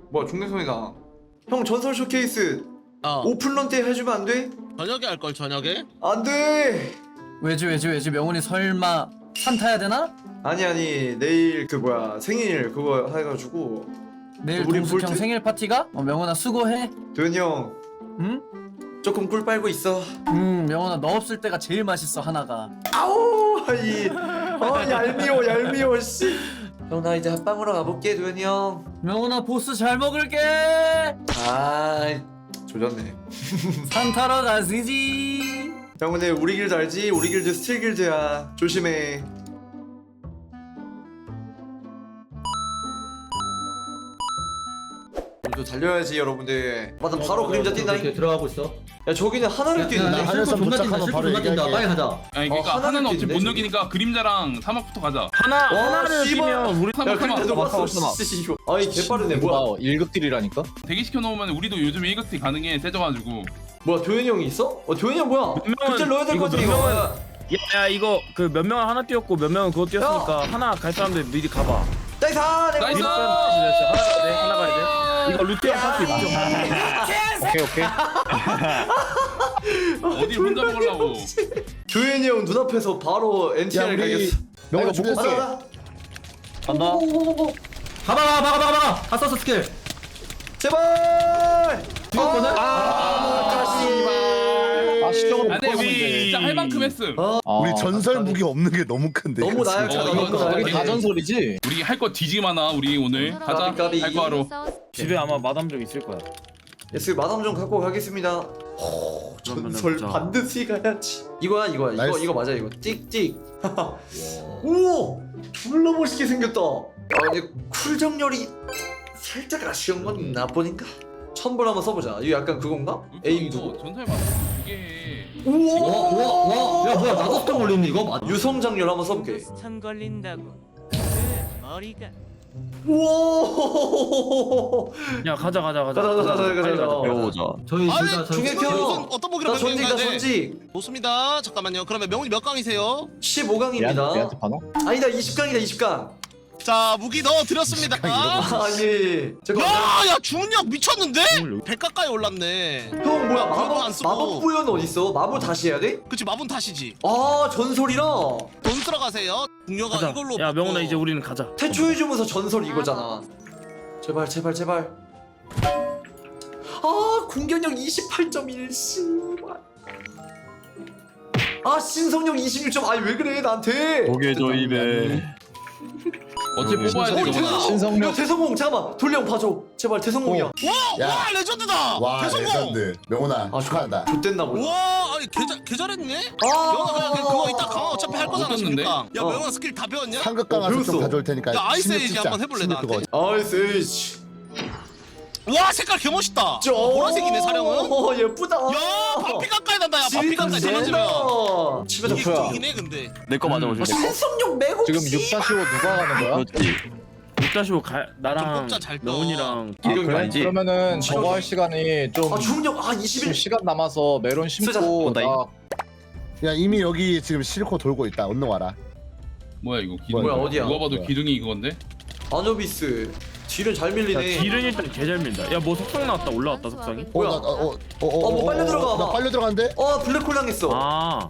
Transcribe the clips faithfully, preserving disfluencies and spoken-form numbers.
뭐야 중대성이다. 형 전설 쇼케이스 어 오픈런 때 해주면 안 돼? 저녁에 할걸 저녁에? 안 돼. 왜지 왜지 왜지 명훈이 설마 산 타야 되나? 아니 아니 내일 그 뭐야 생일 그거 해가지고 내일 우리 동숙 형 볼트? 생일 파티가? 어 명훈아 수고해. 도현이 형 응? 조금 꿀 빨고 있어. 음 명훈아 너 없을 때가 제일 맛있어 하나가. 아우 이 어, 얄미워 얄미워 씨. 형 나 이제 합방으로 가볼게 도현이 형. 명훈아 보스 잘 먹을게. 아 조졌네. 산 타러 가시지. 형 근데 우리 길드 알지? 우리 길드 스틸 길드야. 조심해. 우리도 달려야지 여러분들. 맞아 바로 그림자 뛴다. 이렇게 들어가고 있어. 야 저기는 하나를 뛰는데. 하늘섬 존나 뛴다. 실컷 존나 뛴다. 빨리 가자. 아니 그러니까 어, 하나는 하나는 어차피 못 뛰는데, 녹이니까 그림자랑 사막부터 가자. 하나 와, 하나를 씨발. 뛰면 우리 야 사막 그림자 사막 녹았어. 씨. 아이 개빠르네 뭐야. 일급딜이라니까? 대기시켜 놓으면 우리도 요즘에 일극티 가능해 세져가지고. 뭐야 도현이 형이 있어? 어 도현이 형 뭐야? 명은- 그때 넣어야 될 것 이거 같아 몇 이거. 명은- 야, 야 이거 그 몇 명은 하나 뛰었고 몇 명은 그거 뛰었으니까 하나 갈 사람들 미리 가봐. 나이스 내가 나이스! 이겼어. 하나, 네, 하나 가야 돼. 이거 루테온 파티 루테온 파티. 오케이 오케이. 어디 혼자 먹으려고. 도현이 형 눈앞에서 바로 엔티알 가겠어. 명훈아 가자 준비했어. 가자. 간다. 오오오오. 가봐 가봐 가봐 가봐. 다 썼어 스킬. 제발. 뛰었거든? 아 씨발. 아 시정은 안돼 우리 진짜 할 만큼 했음. 우리 전설 무기 없는 게 너무 큰데. 너무 이거 나약하다. 어, 이거 너무 다 나약해. 여기 다 전설이지? 우리 할 거 뒤지기 많아 우리 오늘. 가자. 까비, 까비. 할 거 하러. 집에 아마 마담족 있을 거야. 예스 마담 좀 갖고 가겠습니다. 오, 그러면은 전설 보자. 반드시 가야지. 이거야 이거야 이거 나이스. 이거 맞아 이거 찍찍. 오 졸라 멋있게 생겼다. 아 근데 쿨 정렬이 살짝 아쉬운 건 있나 보니까. 천불 한번 써보자. 이거 약간 그건가? 에임 이거 두고. 전설 맞아. 이게. 우와. 와와와. 야 뭐야 나도 스톱 올리는 이거 맞. 유성 장렬 한번 써볼게. 천 걸린다고 그 머리가 우와. 야 가자 가자 가자. 가자, 가자, 가자, 가자, 빨리 가자. 배워보자. 저희 아니, 둘다 중에 무슨 켜. 어떤 무기로 나 전직이다 변경해야 돼? 전직. 좋습니다. 잠깐만요. 그러면 명훈이 몇 강이세요? 십오 강입니다. 얘한테 파노? 아니다 이십 강이다 이십 강. 자 무기 넣어드렸습니다. 아니 잠깐. 야야 중력 미쳤는데? 백 가까이 올랐네. 형 뭐야 그거 안 마법 쓰고. 마법 부연 어디 있어? 마법 다시 해야 돼? 그치 마분 탓이지. 아 전설이라. 돈 들어가세요. 중력아 가자. 이걸로. 야 명훈아 바꿔. 이제 우리는 가자. 태초의 주문서 전설 이거잖아. 제발 제발 제발. 아 공격력 이십팔 점 일 씨발. 아 신성력 이십육 점. 아니 왜 그래 나한테? 고개 조임에 어째 뽑아야 돼 어, 이거. 대성공! 신성력. 이거 대성공 잠깐만 돌령 봐줘 제발 대성공이야. 와, 야. 와 레전드다. 와 대성공. 레전드. 명훈아 아 축하한다. 좋댔나 보다. 와 아니 개, 잘- 개 잘했네. 아 명훈아 그냥 그- 그거 이따 강화 어차피 할 거잖아. 어땠는데? 십육 강. 야 어. 명훈아 스킬 다 배웠냐? 상급 강화서 배웠어. 좀 가져올 테니까. 야, 아이스 십육 에이지 찍자. 한번 해볼래, 십육 그거. 나한테? 아이스 에이지. 와 색깔 개 멋있다. 보라색이네 사령은. 어 예쁘다. 야 바피 가까이 난다. 야 바피 가까이 떨어지면. 집에서 이게 푸야. 이기네 근데. 내 거 맞아 아, 오지. 신성력 매국. 지금 육 다시 오 누가 가는 거야? 육 다시 오 갈 좀 나랑 뽑자, 잘 떠. 명훈이랑 아, 기경이 그래? 아니지. 그러면은 저거 할 시간이 좀 아 중력 아 지금 이십일. 시간 남아서 메론 쓰자. 심고 온다, 나 야 이미 여기 지금 실코 돌고 있다. 얼른 와라. 뭐야 이거 기둥. 뭐야, 어디야? 누가 봐도 뭐야? 기둥이 이건데. 아노비스. 딜은 잘 야 밀리네. 딜은 일단 개잘 민다. 야 뭐 속성 나왔다 올라왔다 속성이. 뭐야? 어나어어어 어, 뭐 빨려 들어가 봐. 나 빨려 들어간대. 어 블랙홀 당했어. 아.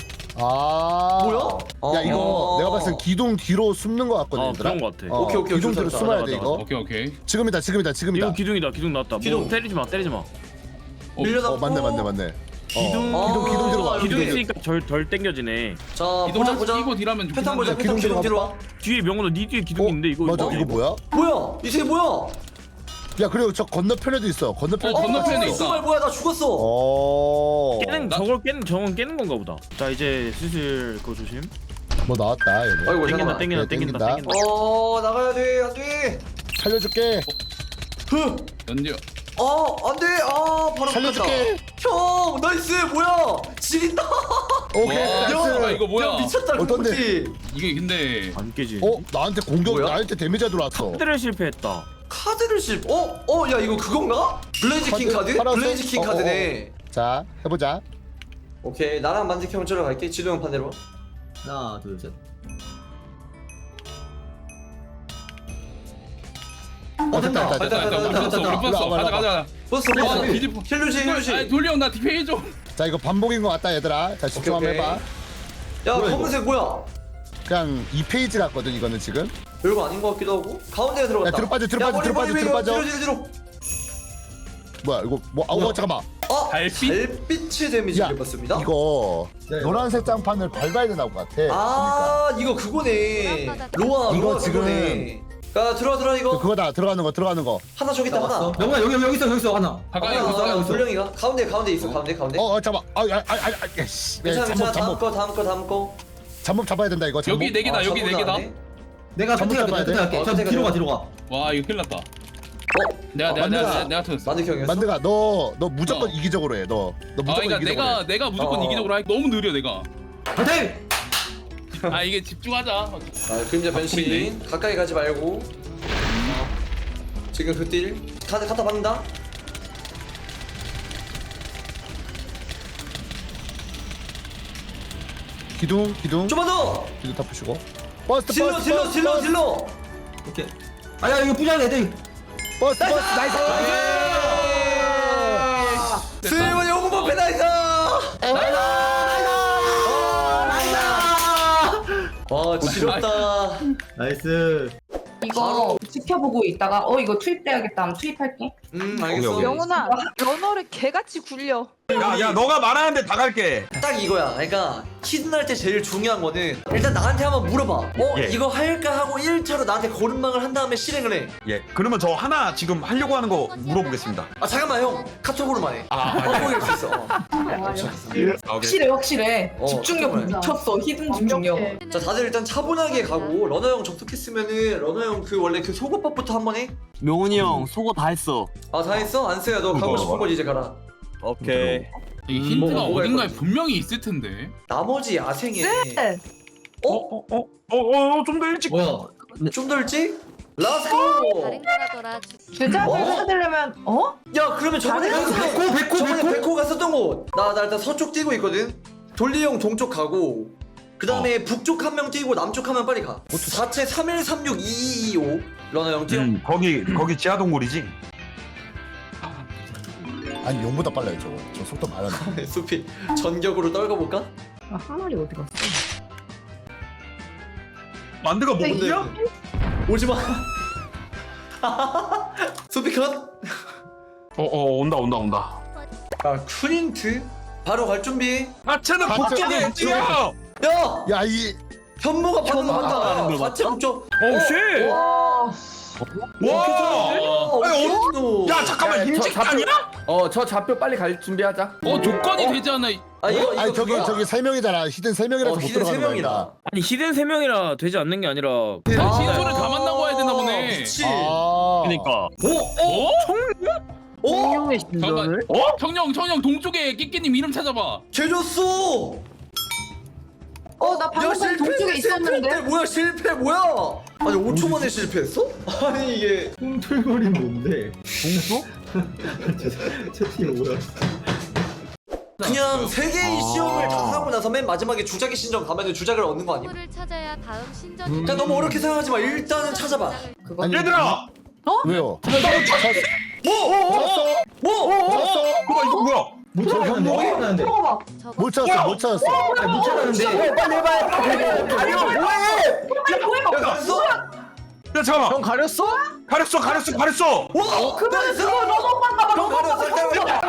아 뭐야? 야 이거 어. 내가 봤을 때 기둥 뒤로 숨는 거 같거든. 어 얘들아. 그런 거 같아. 어, 오케이, 오케이, 기둥 오케이, 뒤로 좋다. 숨어야 맞아, 돼 맞아, 이거. 오케이 오케이. 지금이다 지금이다 지금이다. 이거 기둥이다 기둥 나왔다. 기둥. 뭐 때리지 마 때리지 마. 밀려나. 어 맞네 맞네 맞네. 기둥 어, 기둥 기둥 뒤로 와. 아, 기둥 이렇게. 있으니까 덜 덜 땡겨지네. 자 기둥 보자 하나씩 보자. 끼고 딜하면 좋긴 패턴 보자. 한데. 패턴 기둥 기둥 뒤로 와. 뒤에 명훈아 니 뒤에 기둥 어, 있는데 이거 맞아 이거 이거 뭐야? 뭐야? 이 새 뭐야? 야 그리고 저 건너편에도 있어. 건너편. 어, 건너편에 어, 있다. 정말 뭐야? 나 죽었어. 어. 깨는 나- 저걸 깨는 저건 깨는 건가 보다. 자 이제 슬슬 그거 조심. 뭐 나왔다 얘네. 아이고 땡긴다 잠깐만. 땡긴다 그래, 땡긴다 땡긴다. 땡긴다. 어 나가야 돼. 안 돼. 살려줄게. 흐. 연디어. 어, 안 돼. 아, 바로 살려줄게. 끝났다. 형, 나이스. 뭐야? 지린다. 오케이. 와, 나이스. 잠깐만, 이거 뭐야? 야, 미쳤다. 어떤데? 그거지. 이게 근데 안 깨지. 어 나한테 공격 뭐야? 나한테 데미지가 들어왔어. 카드를 실패했다. 카드를 씹. 어? 어, 야, 이거 그건가? 블레이즈 킹 카드? 카드? 파란색? 블레이즈 킹 어, 어, 카드네. 자 해보자. 오케이. 나랑 만직 형 저러 갈게. 지도 형 반대로. 하나 둘 셋. 어 됐다 됐다 됐다, 됐다. 됐다, 우리 됐다, 풀었어 됐다. 우리 풀었어. 올라와, 가자 올라와. 가자. 버스 와, 버스 뒤집어. 힐루지 아니 힐루지. 돌리 형 나 디페이 좀. 자 이거 반복인 것 같다 얘들아. 자 집중 한번 오케이, 해봐. 야 뭐야, 검은색 뭐야? 그냥 이 페이지 같거든 이거는 지금. 별거 아닌 것 같기도 하고 가운데에 들어갔다. 야, 뒤로 빠져, 뒤로 야, 빠져, 머리, 뒤로 머리, 빠져, 머리, 뒤로 빠져. 뒤로 뒤로 뒤로. 뭐야 이거 뭐 아우 잠깐만. 어 달빛? 달빛의 데미지 야, 입었습니다. 이거 노란색 장판을 밟아야 되나 것 같아. 아 이거 그거네. 로아 이거 로아 지금- 그거네. 야 들어와 들어와 그 이거 그거다 들어가는 거 들어가는 거. 하나 저기 있다 하나. 명훈아 여기 여기 있어 여기 있어 하나. 가까이 하나 가까이 하나 가까이. 돌령이가 가운데 가운데 있어 가운데 가운데. 어, 어 잠깐만. 아아아아 씨. 괜찮아 괜찮아. 잠복 다음 잠복 거 다음 거 다음 거. 잠복 잡아야 된다 이거. 잠복. 여기 네 개다 아, 여기 네 저보다 개다. 안 해? 내가 잠복 선택할게 잡아야 돼? 선택할게. 어, 저 선택해, 뒤로 가 선택해. 뒤로 가. 와 이거 큰일 났다. 어 내가 어, 내가 내가 만두가- 내가, 내가 터졌어. 만두 형이었어? 만드가 너 너 무조건 어. 이기적으로 해. 너 너 아 무조건 그러니까 이기적으로 내가 해. 내가 무조건 어. 이기적으로 할 너무 느려 내가. 파이팅! 아 이게 집중하자. 아 그림자 변신 바쁘네. 가까이 가지 말고. 지금 그딜 카드 갖다 박는다. 기둥 기둥 좀만 더. 기둥 다 푸시고. 버스 질러 버스 질러 버스 질러 버스 질러. 오케이. 아야 이거 부자네 애들. 버스 버스 나이스. 슬리번 영웅 법회 나이스. 와 지렸다. 나이스. 이거 지켜보고 있다가 어 이거 투입돼야겠다 하면 투입할게. 음 알겠어. 영훈아 연어를 개같이 굴려. 야야 너가 말하는데 다 갈게. 딱 이거야. 그러니까 히든 할 때 제일 중요한 거는 일단 나한테 한번 물어봐. 어 예. 이거 할까 하고 일 차로 나한테 고른망을 한 다음에 실행을 해. 예 그러면 저 하나 지금 하려고 하는 거 물어보겠습니다. 아 잠깐만 형 카톡으로만 해. 아, 어 수 있어. 어. 아, 오케이. 확실해 확실해. 어, 집중력 그래. 미쳤어 히든 집중력. 자 다들 일단 차분하게 가고 러너 형 접속했으면은 러너 형 그 원래 그 속옷밥부터 한번 해. 명훈이 형 속어 다 했어. 아 다 했어? 안쓰야 너 가고 싶은 곳 이제 가라. 오케이. 이 음, 힌트가 뭐가- 뭐가 어딘가에 있거든. 분명히 있을 텐데. 나머지 야생에 네. 어? 어어어좀 더 일찍. 뭐야? 좀 더 일찍? 렛츠고! 주작을 어? 찾으려면 어? 야 그러면 저번에 다른 갔었던 백호 백호 저번에 백호. 백호 갔었던 곳! 나, 나 일단 서쪽 뛰고 있거든? 돌리 형 동쪽 가고 그 다음에 북쪽 한 명 뛰고 남쪽 한 명 빨리 가 사채 삼일삼육 이이이오 러너 형 뛰어. 음 거기 거기 지하 동굴이지. 아니 용보다 빨라요 저거. 저 속도 많았네. 수피 전격으로 떨궈볼까? 아, 한 마리 어디 갔어? 만드가 뭐 근데 어디야? 오지마 수피 컷! 어어 온다 온다 온다. 아 쿨인트? 바로 갈 준비 하체는 하체 북쪽에 북쪽. 있지요. 야! 야이 현모가 받는 현모가 한다 하는 걸 사채 맞죠? 북쪽 오 쉣. 와. 와. 아니, 어, 야 잠깐만 임직 아니야? 어저 좌표 빨리 갈 준비하자. 어 조건이 되지 않아? 아 이거 이거 아니 저기 그거야. 저기 세 명이잖아. 히든 세 명이라서 어 못 히든 세 들어가는 명이라 거야. 아니 히든 세 명이라 되지 않는 게 아니라. 아. 신소를 다 만나고 와야 되나 보네. 그치 아. 그러니까. 어? 어? 청룡의 잠깐만. 어? 청룡 청룡 동쪽에 끼끼님 이름 찾아봐. 쟤 줬어 어 나 방금 전에 동쪽에 있었는데. 실패 뭐야 실패 뭐야 아니 오 초 만에 실패했어? 아니 이게 꿈틀거리 뭔데? 동수? 채팅이 뭐야? 그냥 세 개의 아. 시험을 다 하고 나서 맨 마지막에 주작의 신전 가면은 주작을 얻는 거 아니야? 를 찾아야 다음 신전이. 그러니까 너무 어렵게 생각하지 마 일단은 찾아봐 그거 아니, 얘들아. 왜요? 뭐? 뭐? 뭐? 찾았어. 뭐야 이거 뭐야? 못 찾았는데. 못 찾았는데. 들어봐. 못 찾았어. 못 찾았어. 아니, 못 찾았는데. 빨리 해봐 가려 뭐해 뭐야? 야 갔어? 야 잠깐만. 형 가렸어? 가렸어 가렸어 가렸어. 와! 나이스! 형 가려 설탕을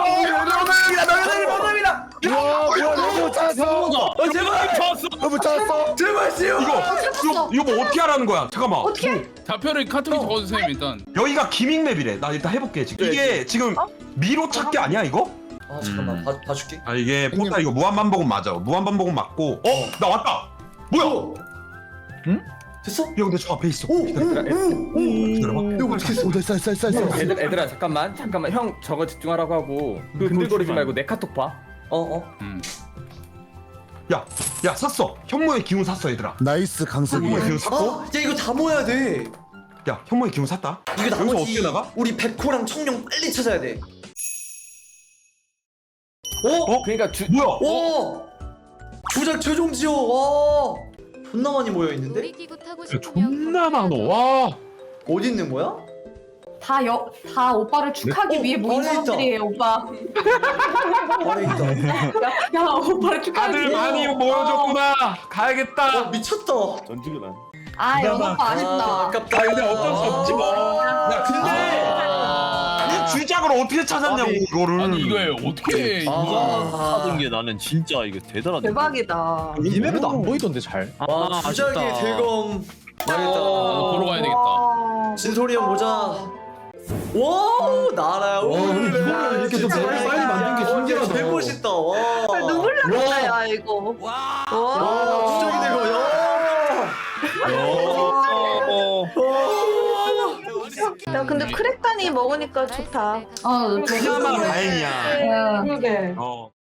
와 뭐야 너무 못 찾았어. 어 제발 너무 못 찾았어. 제발 씨요 이거 이거 이거 뭐 어떻게 하라는 거야? 잠깐만. 어떻게? 좌표를 카톡에 적어주세요 일단. 여기가 기믹맵이래. 나 일단 해볼게 지금. 이게 지금 미로 찾기 아니야 이거? 아 잠깐만 봐, 봐줄게 아 이게 포타 이거 무한 반복은 맞아. 무한 반복은 맞고. 어? 나 왔다. 뭐야? 응? 됐어? 야 근데 저 앞에 있어. 오! 오! 오! 기다려봐. 이거 어떻게 했어? 오 됐어 됐어 됐어 됐어. 애들 애들아 잠깐만 잠깐만 형 저거 집중하라고 하고 그 근들거리지 말고 내 카톡 봐. 어어 음. 야, 야 샀어. 현모의 기운 샀어 얘들아. 나이스 강석이. 현모의 기운 샀고. 아, 야 이거 다 모아야 돼 야 현모의 기운 샀다. 이거 여기서 나머지 어떻게 나가? 우리 백호랑 청룡 빨리 찾아야 돼 어? 어? 그러니까 주 뭐야? 와! 주작 최종 지호 와! 존나 많이 모여 있는데? 놀이기구 타고 야, 싶으면 존나 많어. 와. 어디 있는 거야? 다, 여, 다 오빠를 축하하기 위해 모인 안에 있다. 사람들이에요, 오빠. 안에 있다. 야, 야 오빠를 축하하기 다들 위해. 많이 모여줬구나. 가야겠다. 어, 미쳤다. 전지가 난. 아, 연어 오빠 아, 아쉽다. 아깝다. 아 근데 어쩔 수 없지 뭐. 야 근데 이 주작을 어떻게 찾았냐고 이거를. 아니 이거 어떻게 아. 이거 하던 게 나는 진짜 이거 대단하다. 대박이다. 이 맵에도 안 보이던데 잘. 와, 아, 주작의 아쉽다. 대검. 나도 망했다. 보러 가야 되겠다. 와. 진솔이 형 보자. 와, 나라야. 와, 근데 이거를 이렇게 또 빨리 빨리 만든 게 신기하다. 개 멋있다. 와. 아, 눈물 난다 야 이거. 와, 와. 주작이 대검. 야. 어. 야 근데 크랙단이 먹으니까 좋다. 어, 그나마 다행이야. 야. 그러게. 어.